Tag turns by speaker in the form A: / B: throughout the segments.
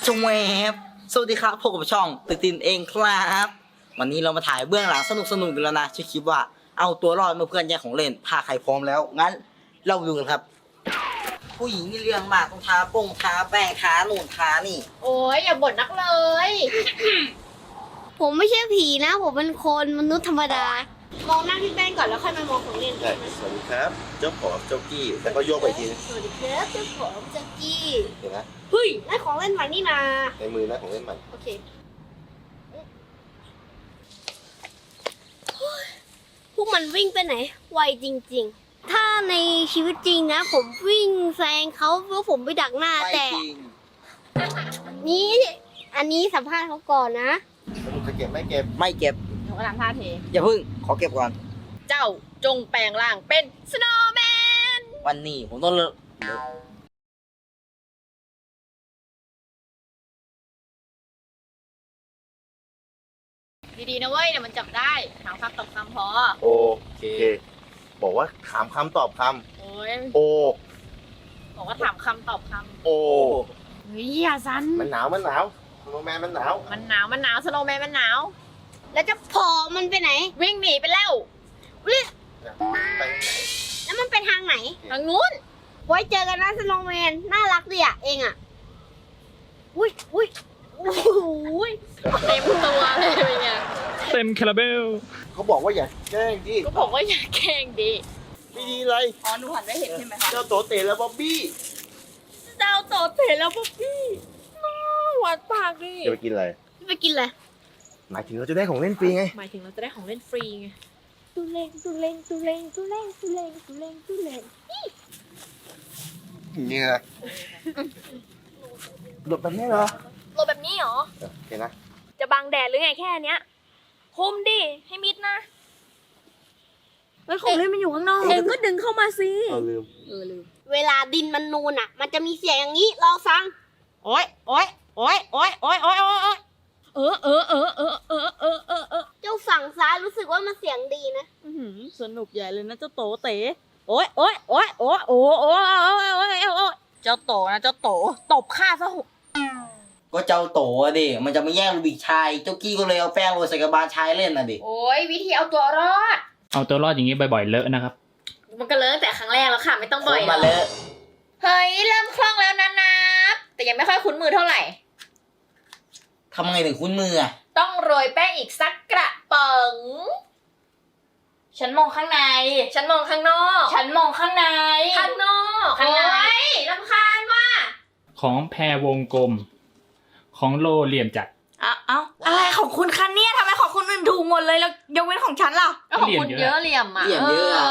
A: จงแวบสวัสดีครับพบกับช่องตื่นตินเองครับวันนี้เรามาถ่ายเบื้องหลังสนุกกันแล้วนะชื่อคลิปว่าเอาตัวรอดเมื่อเพื่อนแย่งของเล่นถ้าใครพร้อมแล้วงั้นเราไปดูกันครับผู้หญิงนี่เรื่องมากต้องทาทาแป้งทาหนุนทานี่
B: โอ้ยอย่าบ่นนักเลย
C: ผมไม่ใช่ผีนะ ผมเป็นคนมนุษย์ธรรมดา มองหน้าพี่แป้งก่อนแล้วค่อยมามองของเล่น
D: ใช่สวัสดีครับ เจ้าของเจ้ากี้แล้วก็โยกไปอีกทีนึง
C: สวัสดีครับเจ้าของแจ็คกี้
D: เห็นไหม
C: เฮ้ยได้ของเล่นใหม่นี่นา
D: ในมือนะของเล่นใหม่
C: โอเคพวกมันวิ่งไปไหนไวจริงๆ ถ้าในชีวิตจริงนะ ผมวิ่งแซงเขาเพราะผมไปดักหน้า
A: ไม่
C: แต่
A: จริง
C: นี้อันนี้สัมภาษณ์เขาก่อนนะ
D: สรุปจะเก็บไม่เก็บ
A: ไม่เก็บ
B: หนูกำลังท่าเท
A: อย่าพึ่งขอเก็บก่อน
B: เจ้าจงแปลงร่างเป็นสโนว์แมน
A: วันนี้ผมต้องเลิก
B: ดีๆนะเว้ยเดี๋ยวมันจับได้ถามคำตอบคำพอ
D: โอเค บอกว่าถามคำตอบค
B: โอ้ย
D: ำโอ
B: บอกว่าถามคำตอบค
D: โอ
B: ำเฮ้ยอย่าซัน
D: มันหนาวโนแมนมันหนาว
B: มันหนาวสโนว์แมนมันหนาว
C: แล้วจะพอมันไปไหน
B: วิ่งหนีไปแล้ว
D: ไปไหน
C: แล้วมันไปทางไหน
B: ทางนู้น
C: ไว้เจอกันนะสโนว์แมนน่ารักดีอ่ะเองอ่ะอุ้ยอุ้ยโอ้โห
B: เต็มตัวเลยเป็นไง
E: เต็มคาราเบล
D: เขาบอกว่าอย่าแกล้งดิ
B: ก็บอกว่าอย่าแกล้งดิ
D: ไม่ดีเลย
B: อ๋อหนูหันไม่เห็นใช่ไหมคะ
D: เจ้าโตเตะและบ๊อบบี้
B: เจ้าโตเถแล้วพวกพี่น้าหวานปากดิ
D: จะไปกินอะไร
C: ไปกินอะไร
D: หมายถึงเราจะได้ของเล่นฟรีไง
B: หมายถึงเราจะได้ของเล่นฟรีไง
C: ตุเลงตุเลงตุเลงตุเลงตุเลงตุเลงตุเลง
D: อย่างนี้นะหลบแบบนี้เหรอ
B: โลแบบนี้เหรอ
D: โอเคนะ
B: จะบังแดดหรือไงแค่เนี้ยคุมดิ ให้มิดนะแล้วของเล่นมันอยู่ข้างนอกเองก็ดึงเข้ามาสิ
D: เราลืม
B: ลืม
C: เวลาดินมันนูนอ่ะ มันจะมีเสียงอย่างนี้ลองฟัง
B: โอ๊ยโอ๊ยโอ๊ยโอ๊ยโอ๊ยโอ๊ยโอ๊ยเออ
C: เจ้าฝั่งซ้ายรู้สึกว่ามันเสียงดีนะ
B: สนุกใหญ่เลยนะเจ้าโตเต๋โอ๊ยโอ๊ยโอ๊ยโอ๊ยโอ๊ยโอ๊ยโอ๊ยเจ้าโตนะเจ้าโตตบข้าซะหุ
A: ก็เจ้าโตอะดิมันจะมาแย่งลูบิกชายเจ้ากี้ก็เลยเอาแป้งโรยใส่กระบาลชายเล่นน่ะดิ
B: โอ๊ยวิธีเอาตัวรอด
E: เอาตัวรอดอย่างนี้บ่อยๆเลอะนะครับ
B: มันก็เลิกแต่ครั้งแรกแล้วค่ะไม่ต้องบ่อย
A: มาเลอะ
B: เฮ้ยเริ่มคล่องแล้วนะนับแต่ยังไม่ค่อยคุ้นมือเท่าไหร่
A: ทำไงถึงคุ้นมืออะ
B: ต้องโรยแป้งอีกสักกระป๋องฉันมองข้างใน ฉันมองข้างนอก ฉันมองข้างใน ข้างนอกข้างในรำคาญว่ะ
E: ของแพรวงกลม ของโลเหลี่ยมจัด
F: เอาอะไรของคุณคะเนี่ยทำไมของคุณอื่นถูกหมดเลยแล้วยกเว้นของฉันล่ะ
E: ก็เหลี่ยมเยอะ
B: เหลี่ยมอ่ะ
A: เหลี่ยมเยอะอะ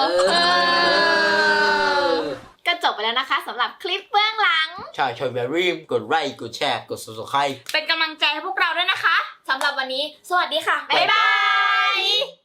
B: ก็จบไปแล้วนะคะสำหรับคลิปเบื้องหลัง
A: ใช่ช่วยแบบรีบกดไลค์กดแชร์กด subscribe
F: เป็นกำลังใจให้พวกเราด้วยนะคะ
B: สำหรับวันนี้ สวัสดีค่ะ
A: บ๊ายบาย
B: บ๊ายบาย